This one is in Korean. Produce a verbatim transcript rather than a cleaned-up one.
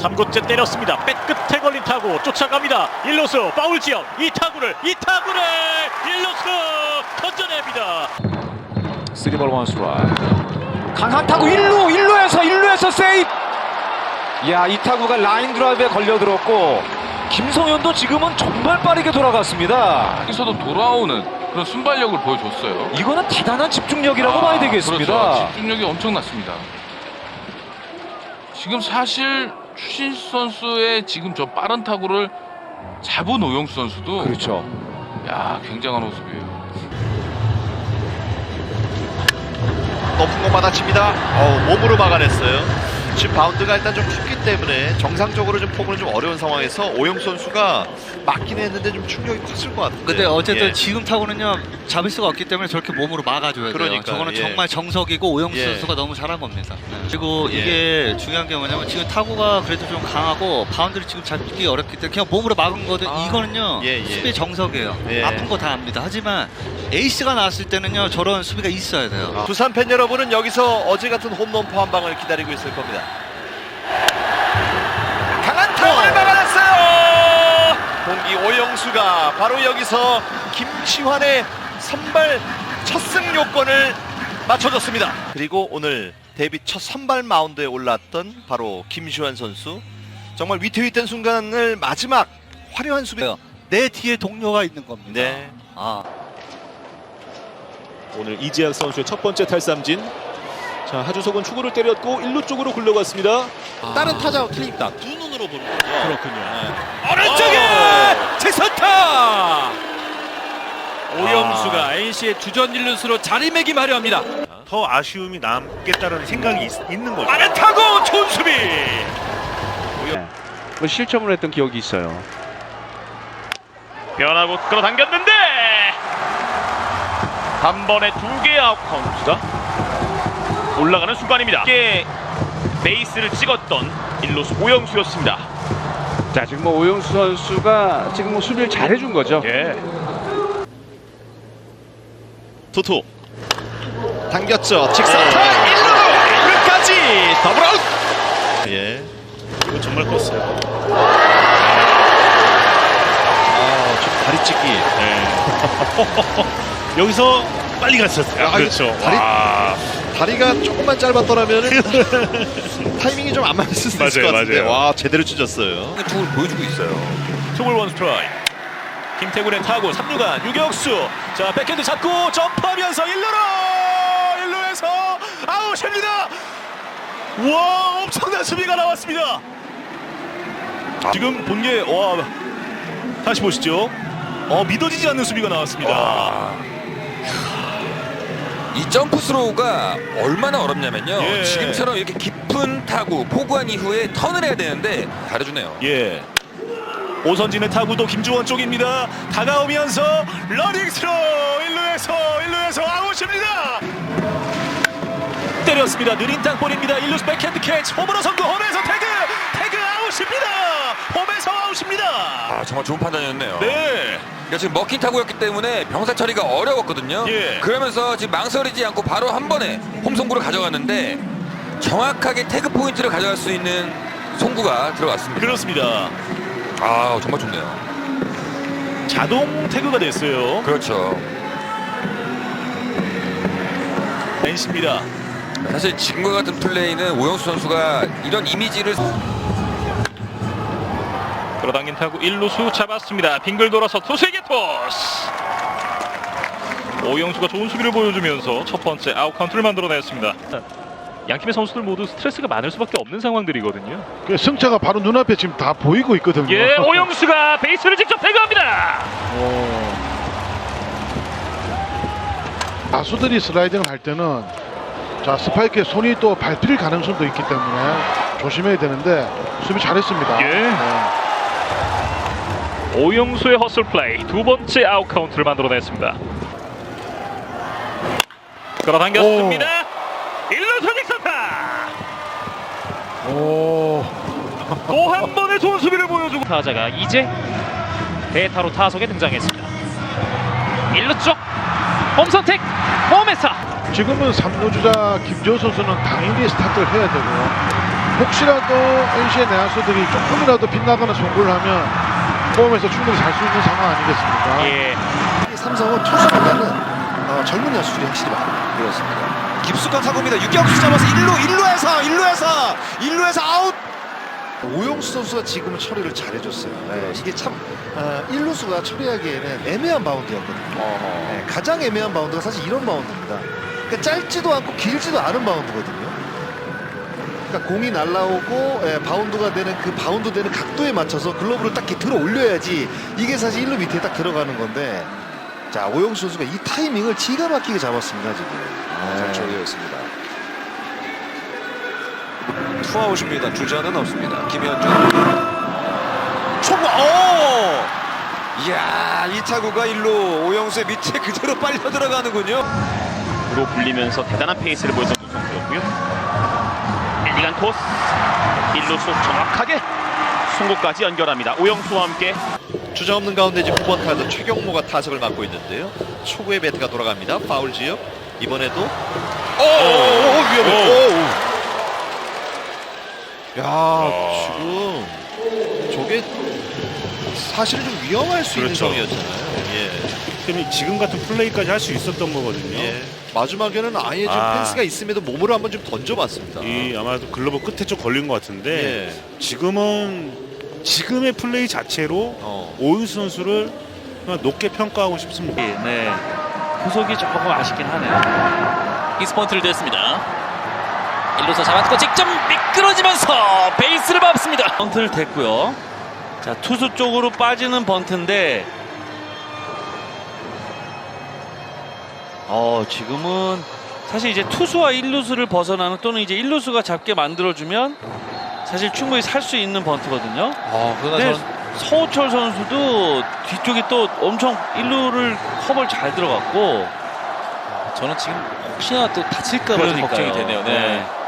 삼 구째 때렸습니다. 백끝에 걸린 타구 쫓아갑니다. 일루수 파울 지역 이 타구를 이 타구를 일루수 던져냅니다. 쓰리 볼 원 스트라이크. 강한 타구 일 루 일 루에서 일 루에서 세이프. 야, 이 타구가 라인 드라이브에 걸려들었고 김성현도 지금은 정말 빠르게 돌아갔습니다. 여기서도 돌아오는 그런 순발력을 보여줬어요. 이거는 대단한 집중력이라고 아, 봐야 되겠습니다. 그렇죠. 집중력이 엄청났습니다. 지금 사실 추신수 선수의 지금 저 빠른 타구를 잡은 오영수 선수도 그렇죠. 야, 굉장한 모습이에요. 높은 공 받아칩니다. 어, 몸으로 막아냈어요. 지금 바운드가 일단 좀 컸기 때문에 정상적으로 좀 포구는 좀 어려운 상황에서 오영수 선수가 맞긴 했는데 좀 충격이 컸을 것 같은데. 근데 어쨌든 예. 지금 타구는요 잡을 수가 없기 때문에 저렇게 몸으로 막아줘야 돼요. 그러니까요. 저거는 예. 정말 정석이고 오영수 예. 선수가 너무 잘한 겁니다. 네. 그리고 예. 이게 중요한 게 뭐냐면 지금 타구가 그래도 좀 강하고 바운드를 지금 잡기 어렵기 때문에 그냥 몸으로 막은 거든 아. 이거는요 예, 예. 수비의 정석이에요. 예. 아픈 거 다 압니다. 하지만 에이스가 나왔을 때는요 저런 수비가 있어야 돼요. 아. 두산 팬 여러분은 여기서 어제 같은 홈런포 한 방을 기다리고 있을 겁니다. 강한 타구를 막아냈어요. 공기 오영수가 바로 여기서 김시환의 선발 첫 승 요건을 맞춰줬습니다. 그리고 오늘 데뷔 첫 선발 마운드에 올랐던 바로 김시환 선수, 정말 위태위태한 순간을 마지막 화려한 수비. 내 뒤에 동료가 있는 겁니다. 네. 아. 오늘 이재학 선수의 첫 번째 탈삼진. 자, 하주석은 축구를 때렸고 일 루 쪽으로 굴러갔습니다. 아. 다른 타자와 틀립니다. 두 눈으로 보는 거죠. 그렇군요. 네. 오른쪽에 최선타 오영수가 엔씨의 주전 일루수로 자리매김하려 합니다. 더 아쉬움이 남겠다는 생각이 있, 있는 거죠. 빠른 타구 좋은 수비. 뭐 실점을 했던 기억이 있어요. 변하고 끌어당겼는데 한 번에 두 개의 아웃 카운트가 올라가는 순간입니다. 이게 베이스를 찍었던 일루수 오영수였습니다. 자, 지금 뭐 오영수 선수가 지금 뭐 수비를 잘해준 거죠. 예. 투투 당겼죠. 직선타 일 루 끝까지 더블 아웃. 예. 이거 정말 컸어요. 아, 좀 다리 찢기. 네. 여기서 빨리 갔었어요. 아, 그렇죠. 다리- 와. 다리가 조금만 짧았더라면 타이밍이 좀 안 맞을 수 있을 맞아요, 것 같은데. 맞아요. 와, 제대로 찢었어요. 축을 보여주고 있어요. 투볼 원 스트라이크. 김태군의 타구 삼 루간 유격수. 자, 백핸드 잡고 점프하면서 일 루로 일 루에서 아웃입니다. 와, 엄청난 수비가 나왔습니다. 지금 본 게 와, 다시 보시죠. 어, 믿어지지 않는 수비가 나왔습니다. 이 점프 스로우가 얼마나 어렵냐면요. 예. 지금처럼 이렇게 깊은 타구, 포구한 이후에 턴을 해야 되는데 잘해주네요. 예. 오선진의 타구도 김주원 쪽입니다. 다가오면서 러닝 스로 일 루에서 일 루에서 아웃입니다. 때렸습니다. 느린 땅볼입니다. 일 루스 백핸드 캐치 홈으로 성공. 홈에서 태그 태그 아웃입니다. 홈에서 아웃입니다. 아, 정말 좋은 판단이었네요. 네. 그러니까 지금 먹힌 타구였기 때문에 병살 처리가 어려웠거든요. 예. 그러면서 지금 망설이지 않고 바로 한 번에 홈 송구를 가져갔는데 정확하게 태그 포인트를 가져갈 수 있는 송구가 들어갔습니다. 그렇습니다. 아, 정말 좋네요. 자동 태그가 됐어요. 그렇죠. 엔씨입니다. 사실 지금과 같은 플레이는 오영수 선수가 이런 이미지를 끌어당긴 타구 일 루수 잡았습니다. 빙글 돌아서 투수에게 토스. 오영수가 좋은 수비를 보여주면서 첫 번째 아웃 카운트를 만들어냈습니다. 양팀의 선수들 모두 스트레스가 많을 수밖에 없는 상황들이거든요. 그 승차가 바로 눈앞에 지금 다 보이고 있거든요. 예, 오영수가 베이스를 직접 태그합니다. 가수들이 슬라이딩을 할 때는 자 스파이크에 손이 또 밟힐 가능성도 있기 때문에 조심해야 되는데 수비 잘했습니다. 예. 네. 오영수의 허슬 플레이 두 번째 아웃 카운트를 만들어냈습니다. 끌어당겼습니다. 일 루수 직선타. 또 한 번의 좋은 수비를 보여주고 타자가 이제 대타로 타석에 등장했습니다. 일 루 쪽 홈선택 홈에서 지금은 삼 루 주자 김재호 선수는 당연히 스타트를 해야 되고 혹시라도 엔씨의 내야수들이 조금이라도 빗나가는 송구를 하면 홈에서 충분히 잘 수 있는 상황 아니겠습니까? 예. 삼성은 투수보다는 어, 젊은 야수들이 확실히 많아요. 그렇습니다. 깊숙한 타구입니다. 유격수 잡아서 일 루, 일 루에서 일 루에서 일 루에서 아웃. 오영수 선수가 지금은 처리를 잘해줬어요. 네, 이게 참 어, 일 루수가 처리하기에는 애매한 바운드였거든요. 네, 가장 애매한 바운드가 사실 이런 바운드입니다. 그러니까 짧지도 않고 길지도 않은 바운드거든요. 그러니까 공이 날라오고 예, 바운드가 되는 그 바운드 되는 각도에 맞춰서 글러브를 딱 이렇게 들어 올려야지 이게 사실 일 루 밑에 딱 들어가는 건데, 자 오영수 선수가 이 타이밍을 기가 막히게 잡았습니다 지금. 잘 처리했습니다. 투아웃입니다. 주자는 없습니다. 김현준. 초구. 오! 이야, 이 타구가 일루 오영수의 밑에 그대로 빨려 들어가는군요. 으로 불리면서 대단한 페이스를 보여준 선수였고요. 엘리간 토스. 일루수 정확하게 송구까지 연결합니다. 오영수와 함께 주자 없는 가운데 지금 구 번 타자 최경모가 타석을 맡고 있는데요. 초구의 배트가 돌아갑니다. 파울 지역. 이번에도 오, 오, 위험해. 오. 야, 지금 저게 사실은 좀 위험할 수 그렇죠. 있는 점이었잖아요. 예. 그럼 지금 같은 플레이까지 할 수 있었던 거거든요. 예. 마지막에는 아예 좀 아. 펜스가 있음에도 몸으로 한번 좀 던져봤습니다. 이 아마도 글러브 끝에 좀 걸린 것 같은데 예. 지금은 지금의 플레이 자체로 어. 오윤수 선수를 그냥 높게 평가하고 싶습니다. 네. 구속이 조금 아쉽긴 하네요. 이스펀트를 됐습니다. 일루수 잡았고 직접 미끄러지면서 베이스를 밟습니다. 번트를 됐고요. 자, 투수 쪽으로 빠지는 번트인데 어, 지금은 사실 이제 투수와 일루수를 벗어나는 또는 이제 일루수가 잡게 만들어주면 사실 충분히 살 수 있는 번트거든요. 아, 그러나 근데 저는 서우철 선수도 뒤쪽이 또 엄청 일루를 커버를 잘 들어갔고 저는 지금 혹시나 또 다칠까 봐 좀 그러니까요. 걱정이 되네요. 네. 네.